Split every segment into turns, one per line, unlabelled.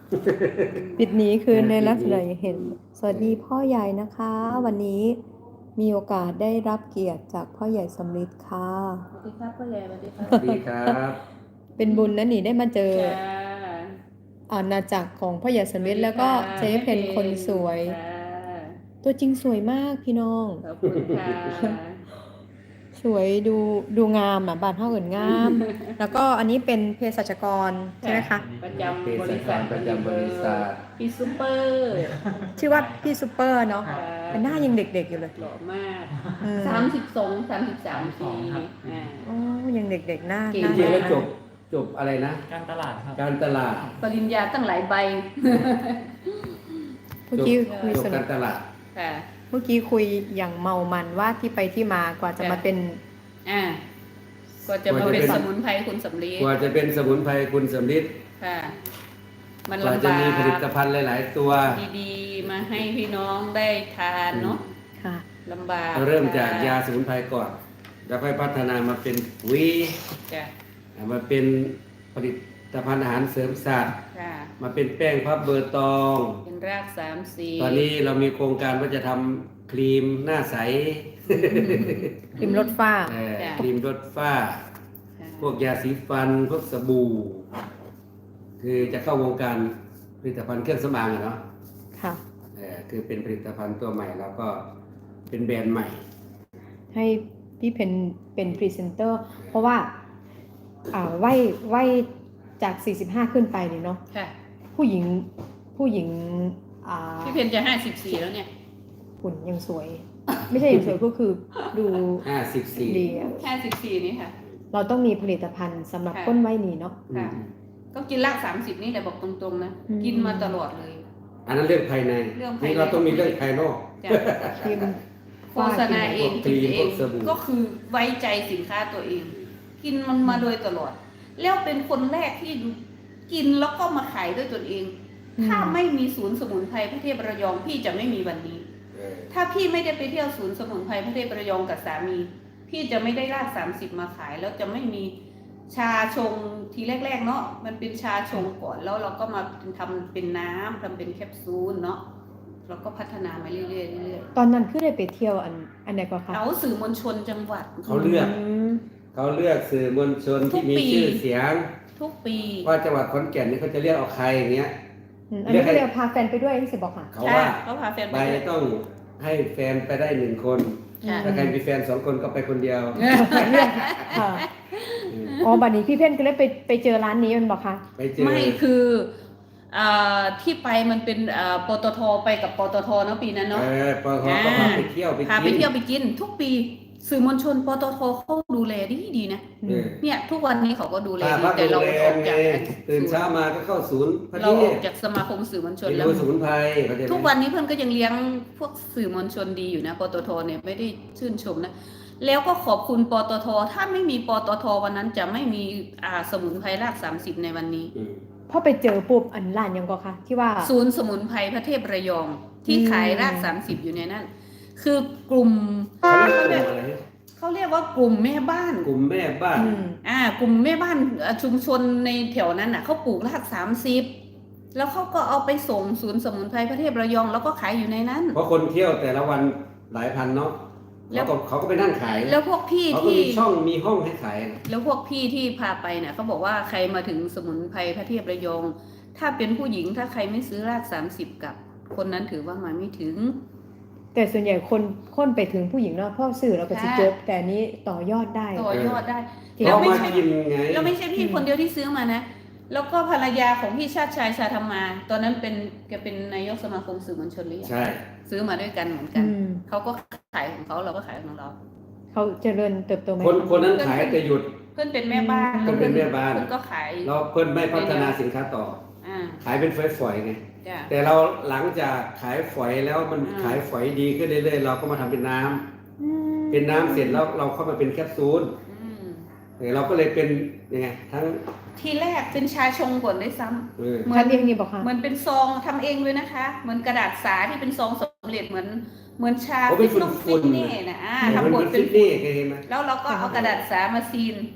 ปิดหนีคืนในลักษณะเห็นสวัสดีพ่อใหญ่นะคะ วันนี้มีโอกาสได้รับเกียรติจากพ่อใหญ่สำริดค่ะ
สวัสดีครับพ่อใหญ่สวัสดีครับ
สวัสดีครับ
เป็นบุญนะนี่ได้มาเจอ
จ้า
อาณาจักรของพ่อใหญ่สำริดแล้วก็เจ๊เพนคนสวย
ค่ะ
ตัวจริงสวยมากพี่น้อง
ขอบคุณค่ะ
สวยดูงามอ่ะบานเท่าเอินงาม แล้วก็อันนี้เป็นเภสัชกรใช่ไหมคะ
ประจำบริษัท
ประจำบริษัท
พี่ซุปเปอร์
ชื่อว่าพี่ซูเปอร์เนาะ
ค่ะ
แต่หน้ายังเด็กๆอยู่เลย
หล่อมาก
เออ
32-33 ปีอ่า
อ๋อยังเด็กๆหน้า
เก่ง
ห
จ
น้า
ริงๆแล้ว
น่า
จบอะไรนะ
การตลาดครับ
การตลาด
ปริญญาตั้งหลายใบ
เมื่อกี้คุย
จบ
สนุ
กาก รตลาด
ค่ะ
เมื่อกี้คุยอย่างเมามันว่าที่ไปที่มากว่าจะมาเป็น
อ่าก็จะมาเป็นสมุนไพรคุณสำลี
กว่าจะเป็นสมุนไพรคุณสำลิด
ค่ะ มัน
กว่า
ลำ
จะ
บาก
มีผลิตภัณฑ์หลายๆตัว
ดีๆ มาให้พี่น้องได้ทานเนาะ
ค่ะ
ลำบาก
เราเริ่มจากยาสมุนไพรก่อน แล้วค่อยพัฒนามาเป็นปุ๋ย
จ้ะ
มาเป็นผลิตภัณฑ์อาหารเสริมสัตว์
ค่ะ
มาเป็นแป้งพับเบอร์ตอง
เป็นราก3-4
ตอนนี้เรามีโครงการว่าจะทำครีมหน้าใส
ริมรถฟ้า
ครีมลดฝ้า
ค่ะ
พวกยาสีฟัน พวกสบู่ คือจะเข้าวงการผลิตภัณฑ์เครื่องสำอางอะเนาะ
ค่ะ
คือเป็นผลิตภัณฑ์ตัวใหม่แล้วก็เป็นแบรนด์ใหม่
ให้พี่เพนเป็นพรีเซนเตอร์ เพราะว่าไหวจาก 45 ขึ้นไปเนี่ยเนาะ
ค่ะ
ผู้หญิงอ่า
พี่เพนจะ54แล้วเนี่ย
หุ่นยังสวย ไม่ใช่ยังสวยก็คือดู
54
ดีอะ
54นี่ค่ะ
เราต้องมีผลิตภัณฑ์สำหรับ
ค่ะ
ก้นไว้นี้เนาะ
ค่ะ ก็กินราก30นี่แหละบอกตรงๆนะ
อืม
กินมาตลอดเลย
อันนั้นเรื่องภายใน
เรื่องภายใน
นี่เราต้องมีเรื่องภายนอก
จ้ะ
ครีม
โฆษณาเอง
พวกครี
กิน
ม
เอ
พว
ง
กสบู่
ก็คือไว้ใจสินค้าตัวเอง กินมันมาโดยตลอด แล้วเป็นคนแรกที่กินแล้วก็มาขายด้วยตนเอง ถ้าไม่มีศูนย์สมุนไพรพระเทพระยองพี่จะไม่มีวันนี้ ถ้าพี่ไม่ได้ไปเที่ยวศูนย์สมุนไพรพระเทพระยองกับสามี พี่จะไม่ได้ราก30มาขาย แล้วจะไม่มีชาชงทีแรกๆเนาะมันเป็นชาชงก่อนแล้วเราก็มาทำเป็นน้ำทำเป็นแคปซูลเนาะเราก็พัฒนามาเรื่อยๆเรื่อย
ตอนนั้นคือได้ไปเที่ยวอันไหนก็คะ
ๆเอาสื่อมวลชนจังหวัด
เขาเลือก
ม
เขาเลือกสื่อมวลชนที่มี
ทุกปี
ชื่อเสียง
ทุกปี
ว่าจังหวัดขอนแก่นนี่เขาจะเรียกเอาใครอย่างเงี้ย
อันนี้ก็เลยพาแฟนไปด้วยที่สิบอกค่ะ
เขาว่า
เขาพาแฟน
ใบ
ไปด้วย
ต้องให้แฟนไปได้1 คน
ค่ะ
ถ้าใครมีแฟน2 คนก็ไปคนเดียว
เรื่องค่ะอ๋อบัดนี้พี่เพ่นก็เลยไปเจอร้านนี้มันบอกค่ะ
ไปเจอ
ไม่คือที่ไปมันเป็นปตทไปกับปตทเนาะปีนั้นเนาะ
ปอเขาก็พาไปเที่ยวไป
พา
กิน
ไปเที่ยวไปกิน ทุกปีสื่อมวลชนปตทเขาดูแลดีนะ
เออ
เนี่ยทุกวันนี้เขาก็ดูแล
พา
ดี
พัก
แต่
โร
เรา
งแร
ออ
ม
ก
ไง
จาก
ตื่นเช้ามาก็เข้าศูนย์พอ
เรา
ดี
ออกจากสมาคมสื่อมวลชน
ไป
แล้ว
ดูสมุนไพรเข้าใจไหม
ทุกวันนี้เพื่อนก็ยังเลี้ยงพวกสื่อมวลชนดีอยู่นะปตทเนี่ยไม่ได้ชื่นชมนะแล้วก็ขอบคุณปตทถ้าไม่มีปตทวันนั้นจะไม่มีสมุนไพรราก30ในวันนี้
อืม
พอไปเจอปุ๊บอันร้านยังก็ค่ะที่ว่า
ศูนย์สมุนไพรพระเทพระยองที่
อืม
ขายราก30อยู่ในนั้น คือกลุ่ม
เขาเรียกกลุ่มอะไร
เขาเรียกว่ากลุ่มแม่บ้าน
กลุ่มแม่บ้าน
อืม
กลุ่มแม่บ้านชุมชนในแถวนั้นน่ะเขาปลูกราก30แล้วเขาก็เอาไปส่งศูนย์สมุนไพรพระเทพระยอง แล้วก็ขายอยู่ในนั้น
เพราะคนเที่ยวแต่ละวันหลายพันเนาะ
แล้
แล้ว วก็เขาก็ไปนั่งขาย
แล้วพวกพี่
เขาก็
ที่
มีช่องมีห้องให้ขาย
แล้วพวกพี่ที่พาไปเนี่ยเขาบอกว่าใครมาถึงสมุนไพรพระเทพระยอง ถ้าเป็นผู้หญิงถ้าใครไม่ซื้อราก30กับคนนั้นถือว่ามาไม่ถึง
แต่ส่วนใหญ่คนไปถึงผู้หญิงเนาะพ่อสื่อเราก็จะ
ค่ะ
จบ แต่อันนี้ต่อยอดได้
ต่อยอดได้
จริง
แล้ว
เขา
ไม่
มา
ใช่
กินไง
แล้วไม่ใช่พี่
อืม
คนเดียวที่ซื้อมานะ แล้วก็ภรรยาของพี่ชาติชายชาธรรมา ตอนนั้นแกเป็นนายกสมาคมสื่อมวลชนหรือยัง
ใช่
ซื้อมาด้วยกันเหมือนกัน
อืม
เขาก็ขายของเขาเราก็ขายของเรา
เขาเจริญเติบโตไหม
คนนั้นขายแต่หยุด
เพื่อนเป็นแม่บ้าน
เพื่อนเป็นแม่บ้าน
เพื่อนก็ขาย
เราเพิ่นไม่พัฒนาสินค้าต่อ
อ่า
ขายเป็นฝอยๆไง
จ้ะ
แต่เราหลังจากขายฝอยแล้วมัน
อืม
ขายฝอยดีขึ้นเรื่อยๆเราก็มาทำเป็นน้ำ
อืม
เป็นน้ำเสร็จแล้วเราเข้ามาเป็นแคปซูล
อืม
เราก็เลยเป็นยังไงทั้ง
ทีแรกเป็นชาชงก่อนด้วยซ้ำ
เออ
เหมือน
ทำเองนี่บอกค่ะ
เหมือนเป็นซองทำเองเลยนะคะ เหมือนกระดาษสาที่เป็นซองสำเร็จเหมือนชา
โอ้เป็น
ฟิต
ฝุ่นๆ
เน่นะ
มัน
ทำบ
เป็
ด
น
เป็
ฟิ
น
ตนี่เคยเห็นไหม
แล้วเราก็เอากระดาษสามาซีน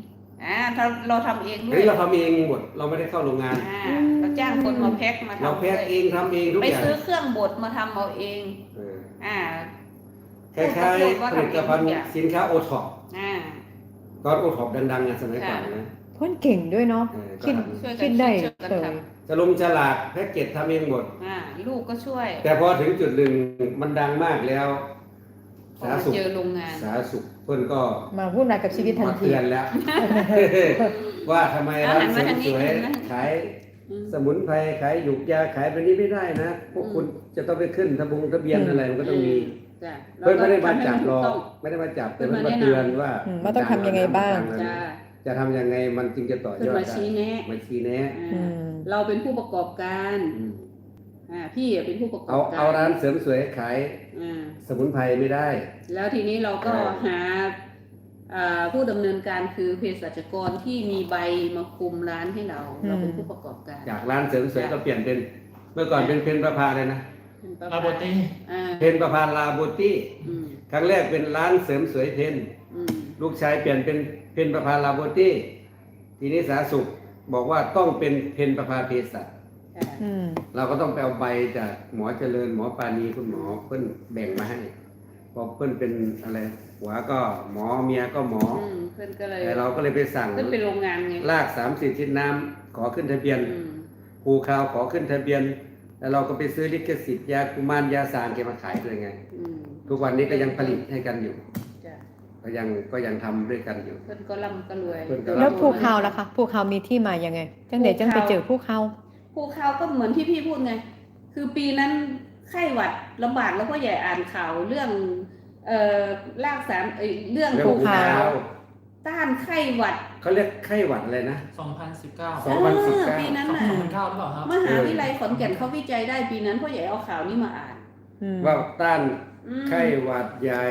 เราทำเองด้
เฮ้
วย
ยเราทำเองหมดเราไม่ได้เข้าโรงงาน
เราจ้างคนมาแพ็คมาทำ
เราแพ็คเองทำเองทุก
ไป
อย่าง
ซื้อเครื่องบดมาทำเอาเอง
เออ
อ่า
คล้ายๆผลิตภัณฑ์สินค้าโอท็อป
อ่า
ตอนโอท็อปดังๆสมัยก่อนนะ
เพ่นเก่งด้วยเนาะ
เออ
คิด
ช่วยกัน
คิดได้
ช่วยกัน
เลย
ท
ฉลากแพ็กเกจทำเองหมด
ลูกก็ช่วย
แต่พอถึงจุดหนึ่งมันดังมากแล้ว
พอมาเจอโรงงาน
สาธารณสุขเพิ่นก็
มาวุ่นวายกับชีวิตทัน
มา
ที
เตือนแล้ว ว่าทำไมร้านเสริมสวยขายสมุนไพรขายหยุกยาขายแบบนี้ไม่ได้นะ พวกคุณจะต้องไปขึ้นทะเบียนอะไรมันก็ต้องมี
จ้ะ
เพิ่นไม่ได้มาจับหรอก
ต้อง
ไม่ได้มาจับแต่
เพิ่
มัน
น
มา
มาแนะนำ
เตือนว่า
ว่าต้องทำยังไงบ้าง
จ้า
จะทำยังไงมันจึงจะต่อย
เพิ่น
อด
มา
ได้
ชี้แนะ
มาชี้แนะ
อืม
เราเป็นผู้ประกอบการ
อืม
พี่เป็นผู้ประกอ
เอา
บการ
เอาร้านเสริมสวยขาย
อ่า
สมุนไพรไม่ได้
แล้วทีนี้เราก็หาผู้ดำเนินการคือเภสัชกรที่มีใบมาคุมร้านให้เรา เราเป็นผู้ประกอบการ
จากร้านเสริมสวยก็เปลี่ยนเป็น เมื่อก่อนเป็นเพนประภาเลยนะ
เป็นประ
ลาโบตี้
เพนประภาลาโบตี้
อืม
ครั้งแรกเป็นร้านเสริมสวยเพน
อืม
ลูกชายเปลี่ยนเป็นเพนประภาลาโบตี้ทีนี้สาธารณสุขบอกว่าต้องเป็นเพนประภาเภสัช
ค่ะ
อืม
เราก็ต้องไปเอาใบจากหมอเจริญหมอปานีคุณหมอเพิ่นแบ่งมาให้พอเพิ่นเป็นอะไรหัวก็หมอเมียก็หมอ
เพื่อนก็เลย
แต่เราก็เลยไปสั่ง
เพื่อนเป็นโรงงานไง
ลาก30ชิ้นน้ำขอขึ้นทะเบียน
อืม
ภูคาวขอขึ้นทะเบียน แล้วเราก็ไปซื้อลิขสิทธิ์ยากุมารยาสารแกมาขายเลยไง
อืม
ทุกวันนี้ก็ยังผลิตให้กันอยู่
จ้ะ
ก็ยังทำด้วยกันอยู่
เพื่อนก็ร่ำก็รวย
เพิ่นก็ร่ำ
แล้วภูเขาล่ะคะภูเขามีที่มายังไง จังเดี๋ยวจังไปเจอภูเขา
ภูเขาก็เหมือนที่พี่พูดไง คือปีนั้นไข้หวัดลำบากแล้วก็ใหญ่อ่านข่าวเรื่องรากสารเรื่อง
เรื่อง
ภู
ภู
เขา
เขา
ต้านไข้หวัด
เขาเรียกไข้หวัดอะไรนะ
2019
2019
ปีนั้นน่ะ
2009หรือเปล่าครับ
มหาวิทยาลัยขอนแก่นเขาวิจัยได้ปีนั้นพ่อใหญ่เอาข่าวนี้มาอ่าน
อืม
ว่าต้าน
อืม
ไข้หวัดใหญ่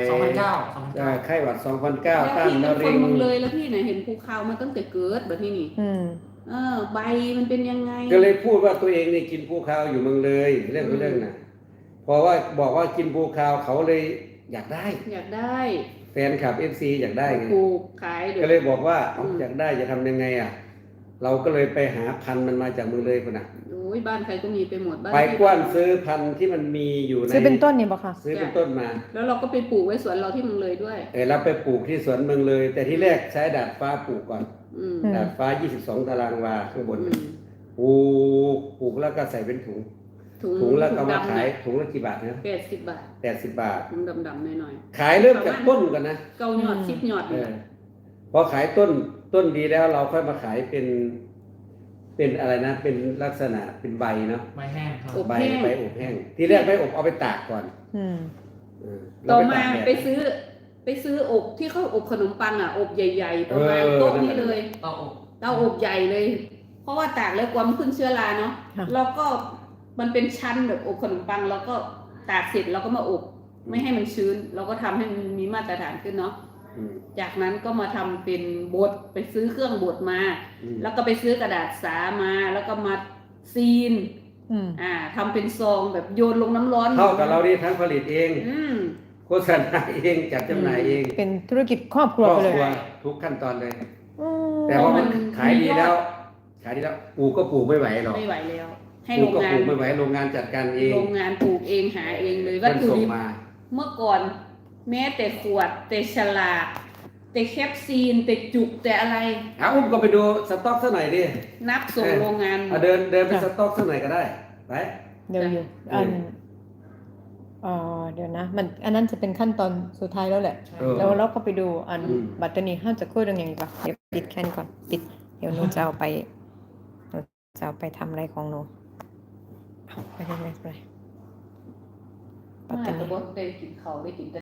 2009
ไข้หวัด
แล้ว
2009 ต้าน
พี่
มะ
เป็นค
เร็
น
ง
เมึงเลยแล้วพี่ไหนเห็นภูเขามาตั้งแต่เกิดแบบนี้นี่
อืม
ใบมันเป็นยังไง
ก็เลยพูดว่าตัวเองนี่กินภูคาวอยู่เมืองเลยเรื่องน่ะเพราะว่าบอกว่ากินภูคาวเขาเลยอยากได้
อยากได้
แฟนคลับ FC อยากได้ไง
ปลูกขายเดี๋
ก็
ยว
เลยบอกว่าเอาอยากได้จะทำยังไงอ่ะ เราก็เลยไปหาพันธุ์มันมาจากเมืองเลยคนน่ะ
โอ้ยบ้านใครก็มีไปหมดบ้าน
ไป
พี่
กว้านซื้อพันธุ์ที่มันมีอยู่ใน
ซื้อเป็นต้นนี่บอกค่ะ
ซื้อเป็นต้นมา
แล้วเราก็ไปปลูกไว้สวนเราที่เมืองเลยด้วย
เราไปปลูกที่สวนเมืองเลย แต่ที่แรกใช้ดาดฟ้าปลูกก่อน
อืม
อืม
ดาดฟ้า 22 ตารางวาข้างบน
อืม
ปลูกแล้วก็ใส่เป็นถุง
ถุง
ถุงแล้วก็มา
ดำ
ขายถุงละกี่บาทนะ
80 บาท
80 บาท
ถุงดำๆหน่อย
ขายเริ่มจากต้นก่อนนะ
ๆเกาหยอด10หยอด
เอ
นี่
อพอขายต้นดีแล้วเราค่อยมาขายเป็นอะไรนะ เป็นลักษณะเป็นใบเนาะ
ไม้แห้งครับ
ใบอบแห้ง ที่แรกไม่อบเอาไปตากก่อน
อืม
เออ
ต่อ
แล้ว
มา
ตกแดด
ไปซื้ออบที่เขาอบขนมปังอ่ะอบใหญ่ๆประมาณ
เออ
โต๊ะนี้เลย
เตาอบ
เตาอบใหญ่เลย เพราะว่าตากแล้วกลัวมันขึ้นเชื้อราเนาะ
ค่ะ
แล้วก็มันเป็นชั้นแบบอบขนมปังแล้วก็ตากเสร็จเราก็มาอบไม่ให้มันชื้น เราก็ทำให้มันมีมาตรฐานขึ้นเนาะ
อืม
จากนั้นก็มาทำเป็นบดไปซื้อเครื่องบดมา
อืม
แล้วก็ไปซื้อกระดาษสามาแล้วก็มาซีน
อืม
ทำเป็นซองแบบโยนลงน้ำร้อน
เท่ากับเรานี่ทั้งผลิตเอง
อืม
โฆษณาเองจัดจำหน่ายเอง
เป็นธุรกิจครอบครัว
ครอบ
ไปเลย
ครัวทุกขั้นตอนเลย
อืม
แต่พอมันขายดีแล้วปลูกก็ปลูกไม่ไหวหรอก
ไม่ไหวแล้ว ให้
ปลู
โร
ก
ง
ก็
งา
ป
น
ลูกไม่ไหวโรงงานจัดการเอง
โรงงานปลูกเองหาเองเลยวั
เพิ่
ต
น
ถุ
ส่ง
ดิบ
มา
เมื่อก่อน แม้แต่ขวดแต่ฉลากแต่แคปซีนแต่จุกแต่อะไร
อุ้มก็ไปดูสต็อกสักหน่อยดิ
นับส่งโรงงาน
เอาเดินไปสต็อกสักหน่อยก็ได้ไป
เดี๋ยวอยู่เดี๋ยวนะ มันอันนั้นจะเป็นขั้นตอนสุดท้ายแล้วแหละ
เออ
แล้วเราก็ไปดูอัน
อืม
บัตรนี้ห้าจะคุยเรื่องอย่างนี้ก่อนเดี๋ยวปิดแค่นก่อนปิดเดี๋ยวหนูจะเอาไปทำอะไรของหนูเอาไปเลยบัตร
มา
นี้
แต่บ่ได้กินข้าวได้กินแต่